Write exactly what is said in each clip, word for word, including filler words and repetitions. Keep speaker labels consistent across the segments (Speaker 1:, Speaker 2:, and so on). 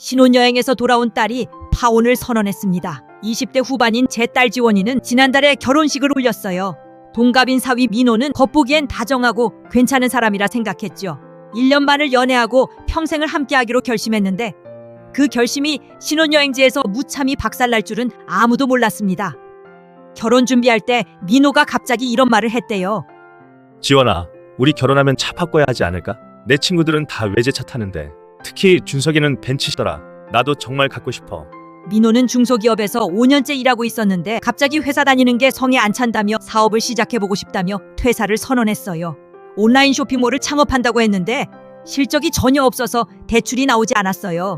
Speaker 1: 신혼여행에서 돌아온 딸이 파혼을 선언했습니다. 이십 대 후반인 제 딸 지원이는 지난달에 결혼식을 올렸어요. 동갑인 사위 민호는 겉보기엔 다정하고 괜찮은 사람이라 생각했죠. 일 년 반을 연애하고 평생을 함께하기로 결심했는데 그 결심이 신혼여행지에서 무참히 박살날 줄은 아무도 몰랐습니다. 결혼 준비할 때 민호가 갑자기 이런 말을 했대요.
Speaker 2: 지원아, 우리 결혼하면 차 바꿔야 하지 않을까? 내 친구들은 다 외제차 타는데 특히 준석이는 벤츠시더라. 나도 정말 갖고 싶어.
Speaker 1: 민호는 중소기업에서 오 년째 일하고 있었는데 갑자기 회사 다니는 게 성에 안 찬다며 사업을 시작해보고 싶다며 퇴사를 선언했어요. 온라인 쇼핑몰을 창업한다고 했는데 실적이 전혀 없어서 대출이 나오지 않았어요.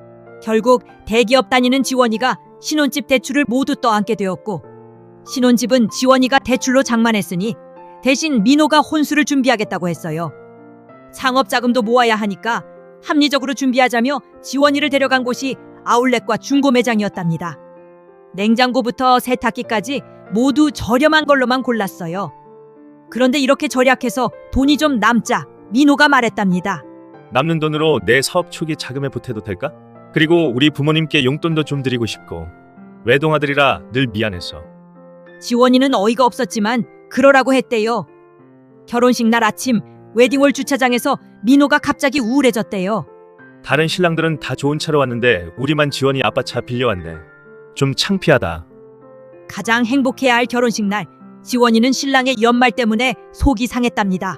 Speaker 1: 결국 대기업 다니는 지원이가 신혼집 대출을 모두 떠안게 되었고 신혼집은 지원이가 대출로 장만했으니 대신 민호가 혼수를 준비하겠다고 했어요. 창업 자금도 모아야 하니까 합리적으로 준비하자며 지원이를 데려간 곳이 아울렛과 중고 매장이었답니다. 냉장고부터 세탁기까지 모두 저렴한 걸로만 골랐어요. 그런데 이렇게 절약해서 돈이 좀 남자 민호가 말했답니다.
Speaker 2: 남는 돈으로 내 사업 초기 자금에 보태도 될까? 그리고 우리 부모님께 용돈도 좀 드리고 싶고 외동아들이라 늘 미안해서.
Speaker 1: 지원이는 어이가 없었지만 그러라고 했대요. 결혼식 날 아침 웨딩홀 주차장에서 민호가 갑자기 우울해졌대요.
Speaker 2: 다른 신랑들은 다 좋은 차로 왔는데 우리만 지원이 아빠 차 빌려왔네. 좀 창피하다.
Speaker 1: 가장 행복해야 할 결혼식 날 지원이는 신랑의 연말 때문에 속이 상했답니다.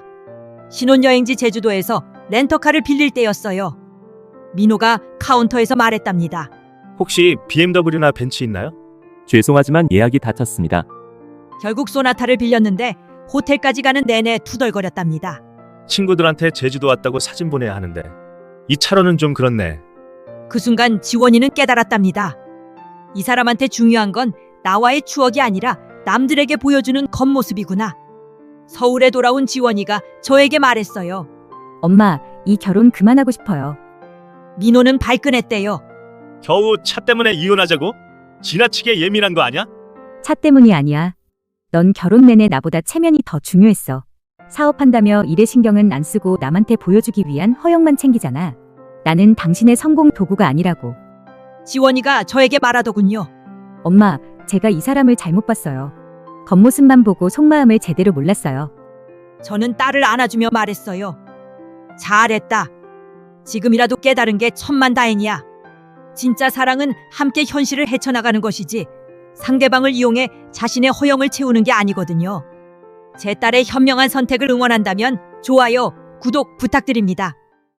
Speaker 1: 신혼여행지 제주도에서 렌터카를 빌릴 때였어요. 민호가 카운터에서 말했답니다.
Speaker 2: 혹시 비엠더블유나 벤츠 있나요?
Speaker 3: 죄송하지만 예약이 다 찼습니다.
Speaker 1: 결국 소나타를 빌렸는데 호텔까지 가는 내내 투덜거렸답니다.
Speaker 2: 친구들한테 제주도 왔다고 사진 보내야 하는데 이 차로는 좀 그렇네.
Speaker 1: 그 순간 지원이는 깨달았답니다. 이 사람한테 중요한 건 나와의 추억이 아니라 남들에게 보여주는 겉모습이구나. 서울에 돌아온 지원이가 저에게 말했어요.
Speaker 4: 엄마, 이 결혼 그만하고 싶어요.
Speaker 1: 민호는 발끈했대요.
Speaker 2: 겨우 차 때문에 이혼하자고? 지나치게 예민한 거 아니야?
Speaker 4: 차 때문이 아니야. 넌 결혼 내내 나보다 체면이 더 중요했어. 사업한다며 일에 신경은 안 쓰고 남한테 보여주기 위한 허영만 챙기잖아. 나는 당신의 성공 도구가 아니라고.
Speaker 1: 지원이가 저에게 말하더군요.
Speaker 4: 엄마, 제가 이 사람을 잘못 봤어요. 겉모습만 보고 속마음을 제대로 몰랐어요.
Speaker 1: 저는 딸을 안아주며 말했어요. 잘했다. 지금이라도 깨달은 게 천만다행이야. 진짜 사랑은 함께 현실을 헤쳐나가는 것이지 상대방을 이용해 자신의 허영을 채우는 게 아니거든요. 제 딸의 현명한 선택을 응원한다면 좋아요, 구독 부탁드립니다.